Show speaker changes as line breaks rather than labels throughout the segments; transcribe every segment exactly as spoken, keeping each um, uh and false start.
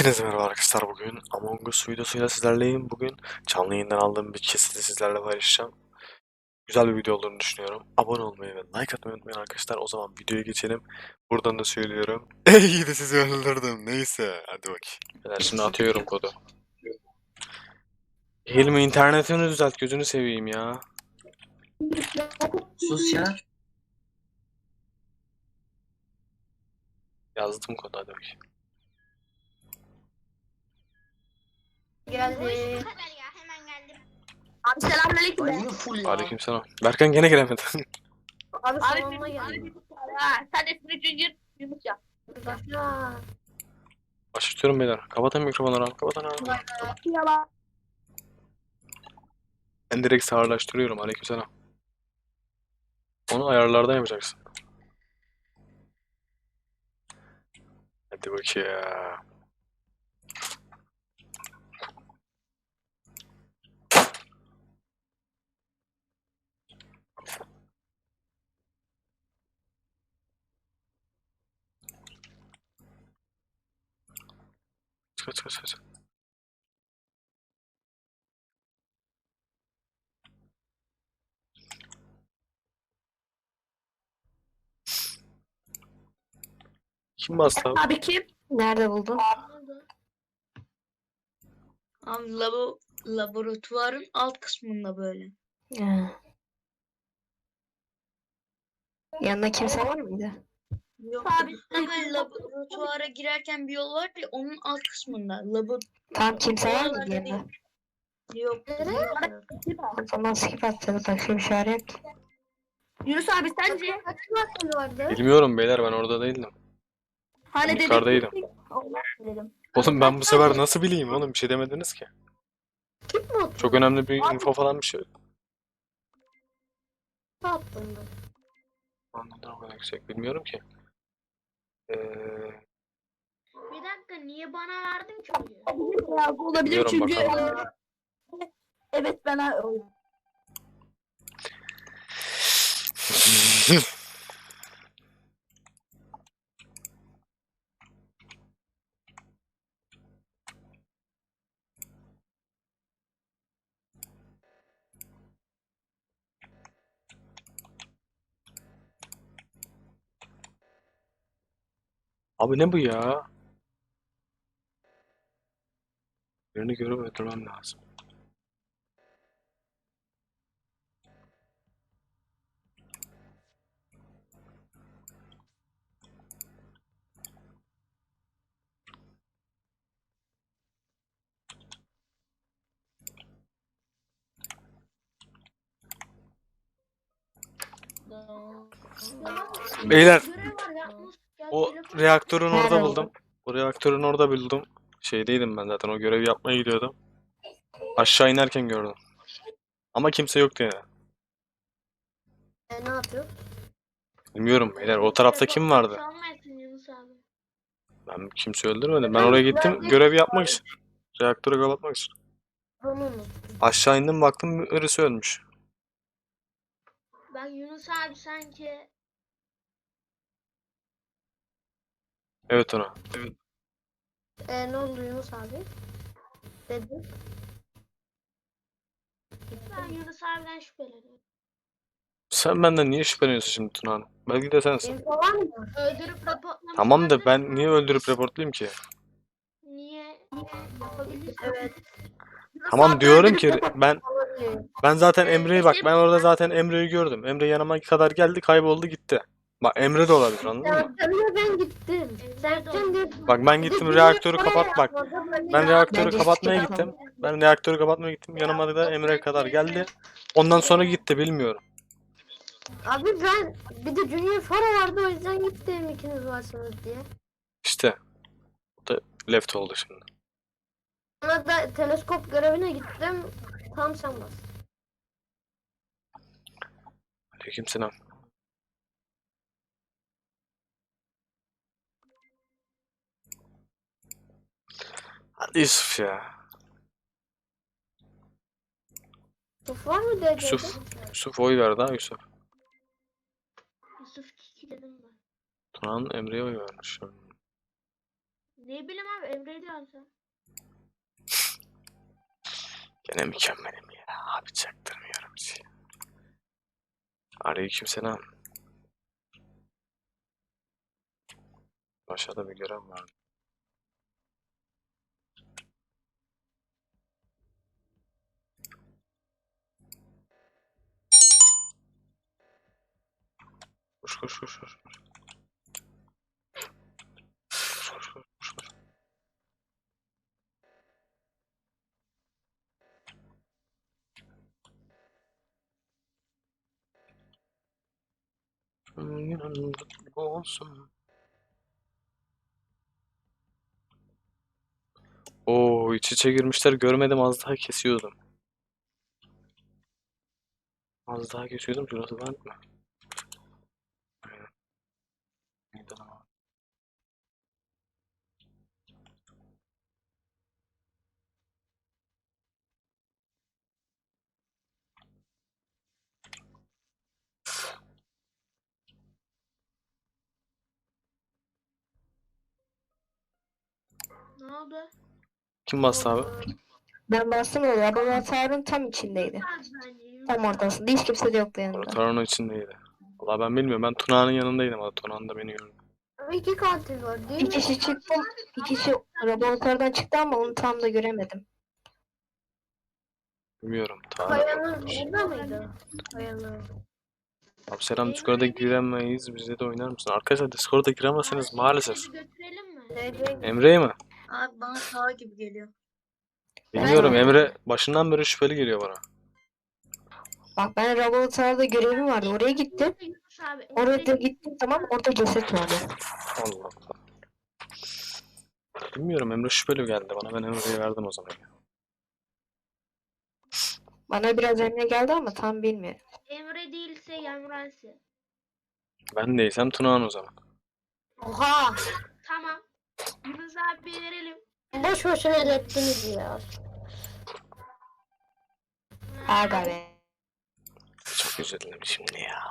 Hepinize merhaba arkadaşlar. Bugün Among Us videosuyla sizlerleyim. Bugün canlı yayından aldığım bir kesiti sizlerle paylaşacağım. Güzel bir video olduğunu düşünüyorum. Abone olmayı ve like atmayı unutmayın arkadaşlar. O zaman videoya geçelim. Buradan da söylüyorum. İyi de sizi öldürdüm. Neyse. Hadi bakayım. Ben şimdi atıyorum kodu. Hilmi internetini düzelt. Gözünü seveyim ya.
Sus ya.
Yazdım kodu, hadi bakayım.
Geldi.
ya hemen geldim.
Abi selamünaleyküm.
Ay yine full ya.
Aleykümselam. Berkan gene gelemedi.
Abi
Abi
salonuna
bir
geldi.
Ha, sen de üçüncü Yunus ya.
Başla.
Başlatıyorum beyler. Kapatın mikrofonları abi. Kapatın abi.
Yalan.
Ben direkt sağırlaştırıyorum. Aleykümselam. Onu ayarlardan yapacaksın. Hadi bakayım. Kaç kaç kaç. Kim bastı abi?
Abi kim? Nerede buldun?
Abi labo, laboratuvarın alt kısmında böyle.
Ha. Yanında kimse var mıydı?
Yok abi hemen laboratuvara girerken bir yol var ya onun alt kısmında. Labo
Tam kimse var mıydı
Oralarda
yanında?
yok.
O zaman skip atladı. Bakayım işaret.
Yunus abi sence?
Bilmiyorum beyler, ben orada değildim.
Hani
Ben yukarıdaydım.
dedim.
Oğlum ben bu sefer nasıl bileyim oğlum, bir şey demediniz ki.
Kim mi attı?
Çok önemli bir info falan bir şey.
Ne attın da?
Anladım, o kadar yüksek bilmiyorum ki. Ee,
Bir dakika niye bana verdin ki oyu?
Ya, bu olabilir
Biliyorum,
çünkü
bakalım.
e, evet ben
Abi ne bu ya? Birini görüp öldürmem lazım. Beyler,
Görev var yapmış. Gel
o
telefon-
reaktörün orada
Nerede
buldum. O reaktörün orada buldum. Şeydeydim ben zaten, o görevi yapmaya gidiyordum. Aşağı inerken gördüm. Ama kimse yoktu yani.
E, ne yapıyor?
Bilmiyorum beyler, o tarafta kim vardı?
Çalmayasın Yunus abi.
Ben kimse öldürmedim. Ben oraya gittim görev yapmak için. Reaktörü kapatmak için.
Onu
Aşağı indim, baktım birisi ölmüş.
Ben Yunus abi sanki
Evet ona. Evet.
E, ne oldu Yunus abi? Dedi.
ben Yunus abiden şüpheleniyorum.
Sen benden niye şüpheleniyorsun şimdi Tuna Hanım? Belki de sensin.
Info var mı?
Öldürüp raporlamış.
Tamam da
olabilir
ben
mi?
niye öldürüp reportlayayım ki?
Niye? Yapabilirsin.
Evet.
Tamam diyorum ki ben
Olabilir.
ben zaten Emre'yi, bak ben orada zaten Emre'yi gördüm. Emre yanıma kadar geldi, kayboldu gitti. Bak Emre de olabilir, anladın mı?
Sercan'la ben gittim. Sercan dedi.
Bak ben gittim reaktörü kapat bak. Ben reaktörü kapatmaya gittim. Ben reaktörü kapatmaya gittim. Yanıma da Emre kadar geldi. Ondan sonra gitti, bilmiyorum.
Abi ben bir de Junior Faro vardı, o yüzden gittim ikiniz varsınız diye.
İşte. O da left oldu şimdi.
Sonra da teleskop görevine gittim. Tam sen bas.
Aleykümselam. Hadi Yusuf ya.
Yusuf var mı dedi?
Yusuf. Yusuf oy verdi ha Yusuf.
Yusuf Kiki dedim ben.
Tuna'nın Emre'ye oy vermiş.
Ne bileyim abi Emre diyorsun sen.
Gene mükemmelim ya. Abi çaktırmıyorum hiç. Aleykümselam. Aşağıda bir görev var. Koş koş koş koş. Koş koş koş koş koş. Günün kutlu olsun. Oo, iç içe girmişler, görmedim, az daha kesiyordum. Az daha kesiyordum, şurası bank mı? Aynen. Neydi lan o?
Ne oldu?
Kim bastı abi?
Ben bastım öyle. Laboratuvarın tam içindeydi.
Az bence.
Tam ortasında. Hiç kimse de yoktu yanında.
Laboratuvarın içindeydi. Valla ben bilmiyorum, ben Tuna'nın yanındaydım, ama Tuna da beni gördü.
İki katil var değil Bir mi? kişi çıktı. Bir kişi laboratuvardan çıktı ama onu tam da göremedim.
Bilmiyorum, Tuna.
Kayanın burada mıydı? Kayanın.
Abi selam, Discord'a giremeyiz, bize de oynar mısın? Arkadaşlar Discord'a giremezseniz maalesef.
Bizi götürelim mi?
Nereye
Emre'yi mi?
Abi bana sağ gibi geliyor.
Bilmiyorum,
Ben-
Emre başından beri şüpheli geliyor bana.
Bak ben laboratuvarda görevim vardı. Oraya gittim.
Yunus abi.
Oraya da gittim tamam orada ceset vardı.
Allah Allah. Bilmiyorum, Emre şüpheli geldi bana, ben Emre'ye verdim o zaman.
Bana biraz emre geldi ama tam bilmiyorum.
Emre değilse Yamransi.
Ben değilsem Tuna'nın o zaman.
Oha!
Tamam. Yunus abi verelim.
Boş boşuna elettiniz ya. Aga be.
Çok üzüldüm şimdi ya.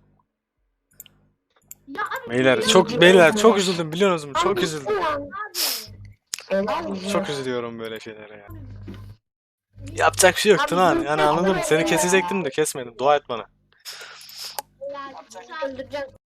Ya abi.
Beyler
ya
çok
Üzüldüm
beyler
ya.
çok üzüldüm, biliyor musunuz? Çok
Abi,
üzüldüm.
Abi.
Çok üzülüyorum böyle şeylere ya. Yapacak bir şey yok
Abi,
Tuna.
üzüldüm
Yani anladım.
ya.
Seni kesecektim de kesmedim. Dua et bana.
Ya,
Öldüreceğim.